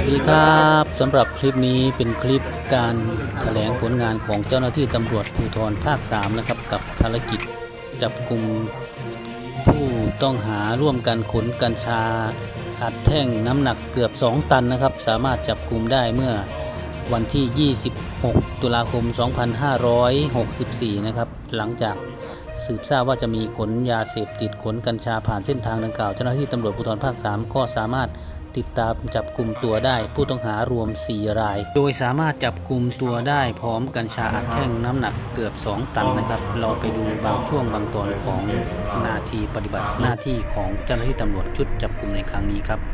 ดีครับสำหรับคลิปนี้เป็นคลิปการแถลงผลงานของเจ้าหน้าที่ตำรวจภูธรภาค 3นะครับกับภารกิจจับกุมผู้ต้องหาร่วมกันขนกัญชาอัดแท่งน้ำหนักเกือบ2 ตันนะครับสามารถจับกุมได้เมื่อวันที่ 26 ตุลาคม 2564 นะครับหลังจากสืบทราบว่าจะมีขนยาเสพติดขนกัญชาผ่านเส้นทางดังกล่าวเจ้าหน้าที่ตำรวจภูธรภาค 3ก็สามารถติดตามจับกลุ่มตัวได้ผู้ต้องหารวม4 รายโดยสามารถจับกลุ่มตัวได้พร้อมกัญชาอัดแท่งน้ำหนักเกือบ2 ตันนะครับเราไปดูบางช่วงบางตอนของนาทีปฏิบัติหน้าที่ของเจ้าหน้าที่ตำรวจชุดจับกลุ่มในครั้งนี้ครับ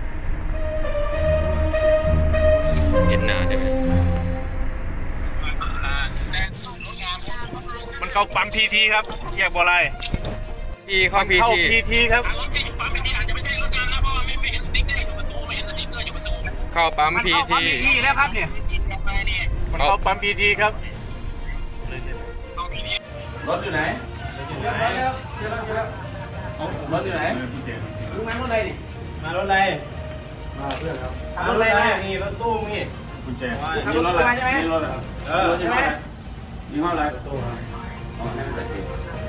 เห็นหน้าได้ไหมมันเข้าปั๊มพีทีครับแยกบัวลายพีเข้าพีเข้าทีพีทีครับเข้าปั๊มพีทีแล้วครับเนี่ยมันเข้าปั๊มพีทีครับรถอยู่ไหนรถอยู่ไหนรู้ไหมรถอะไรนี่มารถอะไรมาเพื่อนครับรถอะไรนี่รถตู้นี่กุญแจนี่รถอะไรนี่รถอะไรรถยี่ห้ออะไรยี่ห้ออะไรตู้ครับอ๋อนั่นเป็น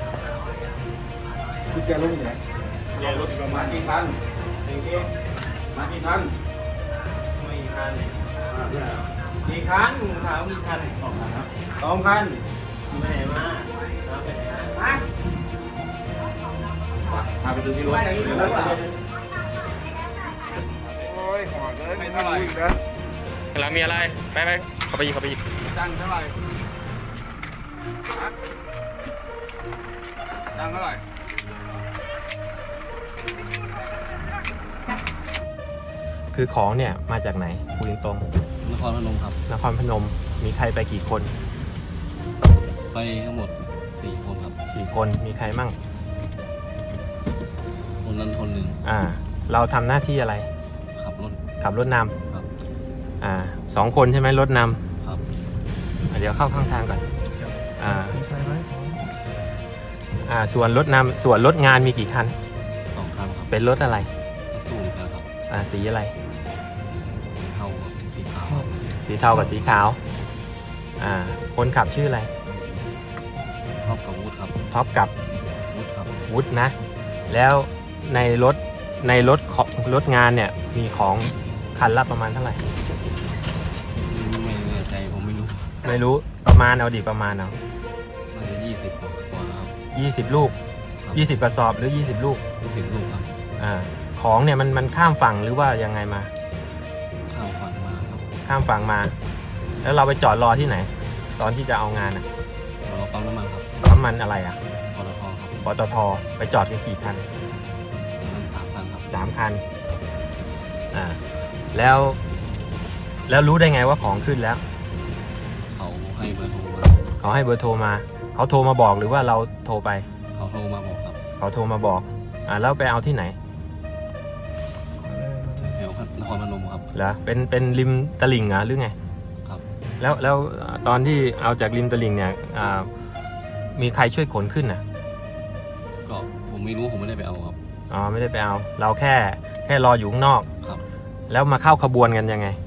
กุญแจรถอยู่ไหนกุญแจรถมากี่คันมากี่คันไม่กี่คันกี่คันถามกี่คัน2 คันไปไหนมาไปไหนมาพาไปดูที่รถโอ้ยหอดเลยไม่เท่าไหร่นะเรามีอะไรไปเข้าไปอีกตังเท่าไหร่ตังเท่าไหร่คือของเนี่ยมาจากไหนคุยตรงนครพนมครับนครพนมมีใครไปกี่คนไปทั้งหมด4 คนครับ 4 คนมีใครมั่งคนนั้นคนหนึ่งเราทำหน้าที่อะไรขับรถนำครับ 2 คนใช่ไหมรถนำครับเดี๋ยวเข้าข้างทางก่อนส่วนรถนำส่วนรถงานมีกี่คัน 2 คันครับเป็นรถอะไรรถตู้ครับสีอะไรเทากับสีขาวสีเทากับสีขาวคนขับชื่ออะไรท็อปกับวุฒิครับท็อปกับวุฒิครับวุฒินะแล้วในรถงานเนี่ยมีของคันละประมาณเท่าไหร่ไม่แน่ใจผมไม่รู้ประมาณเอาประมาณเอา 20 กว่าครับ 20 ลูก20 กระสอบหรือ20 ลูก 20 ลูกครับของเนี่ยมันข้ามฝั่งหรือว่ายังไงมาข้ามฝั่งมาครับข้ามฝั่งมาแล้วเราไปจอดรอที่ไหนตอนที่จะเอางานรอปั๊มน้ำมันครับปั๊มมันอะไรปตทครับปตทไปจอดกันกี่คัน 3 คันครับ 3 คันแล้วรู้ได้ไงว่าของขึ้นแล้วเขาให้เบอร์โทรมาเขาโทรมาบอกหรือว่าเราโทรไปเขาโทรมาบอกครับเขาโทรมาบอกแล้วไปเอาที่ไหนแถวนครพนมครับเหรอเป็นริมตลิ่งหรือไงครับแล้วตอนที่เอาจากริมตลิ่งเนี่ยมีใครช่วยขนขึ้นก็ผมไม่รู้ผมไม่ได้ไปเอาครับไม่ได้ไปเอาเราแค่รออยู่ข้างนอกครับแล้วมาเข้าขบวนกันยังไง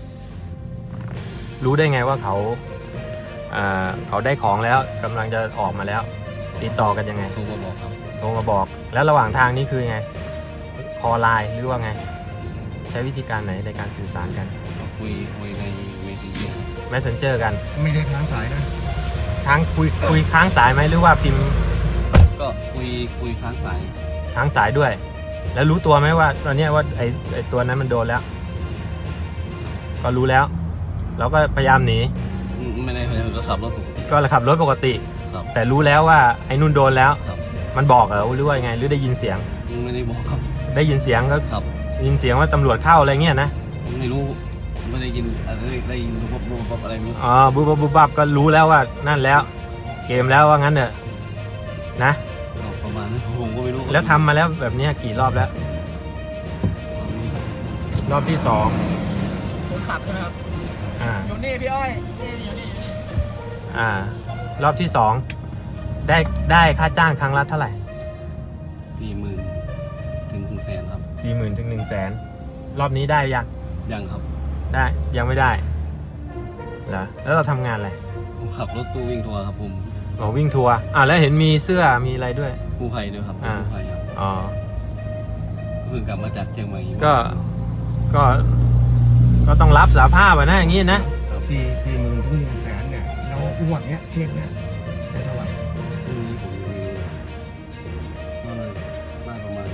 รู้ได้ไงว่าเขาได้ของแล้วกำลังจะออกมาแล้วติดต่อกันยังไงโทรมาบอกครับโทรมาบอกแล้วระหว่างทางนี้คือไงคอไลน์หรือว่าไงใช้วิธีการไหนในการสื่อสารกันคุยใน Messenger กันไม่ได้ค้างสายนะค้างคุยค้างสายไหมหรือว่าพิมพ์ก็คุยค้างสายด้วยแล้วรู้ตัวไหมว่าตอนนี้ว่าไอ้ตัวนั้นมันโดนแล้วก็รู้แล้วเราก็พยายามหนีไม่ได้ก็ขับรถปกติแต่รู้แล้วว่าไอ้นุ่นโดนแล้วครับมันบอกเหรอหรือว่าไงหรือได้ยินเสียงไม่ได้บอกครับได้ยินเสียงก็ครับยินเสียงว่าตำรวจเข้าอะไรเงี้ยนะไม่รู้ไม่ได้ยินอะไรได้ยินบุบอะไรไม่รู้บุบก็รู้แล้วว่านั่นแล้วเกมแล้วว่างั้นเถอะนะประมาณนั้นผมก็ไม่รู้แล้วทำมาแล้วแบบนี้กี่รอบแล้วรอบที่2 คนขับใช่ไหมครับอยู่นี่พี่อ้อยอยู่นี่รอบที่2ได้ค่าจ้างครั้งละเท่าไหร่ 40,000 ถึง 100,000 ครับ 40,000 ถึง 100,000รอบนี้ได้ยังครับได้ยังไม่ได้เหรอแล้วเราทำงานอะไรผมขับรถตู้วิ่งทัวร์ครับผมอ๋อวิ่งทัวร์แล้วเห็นมีเสื้อมีอะไรด้วยกู้ภัยด้วยครับอ่ากู้ภัยครับอ๋อเพิ่งกลับมาจากเชียงใหม่ก็ก็ต้องรับสารภาพนะอย่างนี้นะ 40,000 ถึง 100,000 เนี่ยแล้วงวดเนี้ยเคสเนี้ยได้เท่าไหร่พรุ่งนี้ผมมีก็เลยได้ประมาณ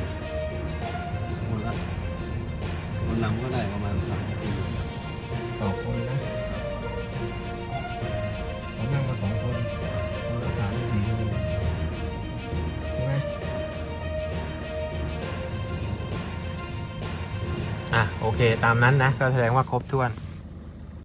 คนนำก็ได้ประมาณ3-4 ต่อคนนะผมนั่งมา2 คนคนละ3-4 ใช่ไหมโอเคตามนั้นนะก็แสดงว่าครบถ้วน